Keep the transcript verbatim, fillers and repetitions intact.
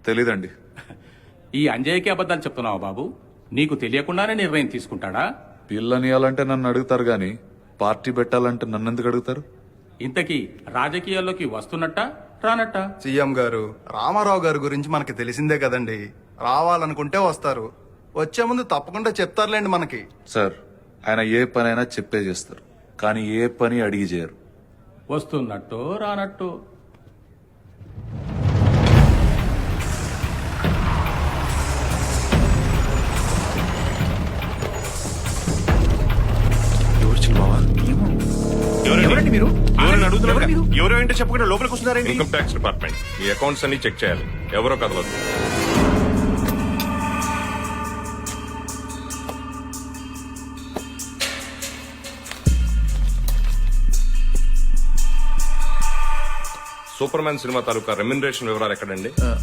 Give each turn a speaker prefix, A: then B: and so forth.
A: తెలీదండి.
B: ఈ అంజయ్యకి అబద్ధాలు చెప్తున్నావా బాబు? నీకు తెలియకుండానే నిర్ణయం తీసుకుంటాడా?
A: పిల్లనియాలంటే నన్ను అడుగుతారు గాని పార్టీ పెట్టాలంటే నన్ను ఎందుకు అడుగుతారు?
B: ఇంతకీ రాజకీయాల్లోకి వస్తున్నట్టా రానట్టా?
C: సీఎం గారు రామారావు గారి గురించి మనకి తెలిసిందే కదండి. రావాలనుకుంటే వస్తారు, వచ్చే ముందు తప్పకుండా చెప్తారులేండి మనకి.
A: సార్, ఆయన ఏ పనైనా చెప్పే చేస్తారు, కానీ ఏ పని అడిగి చేయరు.
B: వస్తున్నట్టు రానట్టు.
D: ఎవరండి మీరు?
E: ఎవరైనా అడుగుతున్నారు
D: ఎవరు మీరు?
E: ఎవరో ఏంటో చెప్పకుండా లోపలికి వస్తున్నారండి.
D: ఇన్కమ్ ట్యాక్స్ డిపార్ట్మెంట్ మీ అకౌంట్స్ అన్ని చెక్ చేయాలి. ఎవరో కదలదు. సూపర్ మ్యాన్ సినిమా తాలూకా రెమ్యునరేషన్ వివరాలు ఎక్కడండి?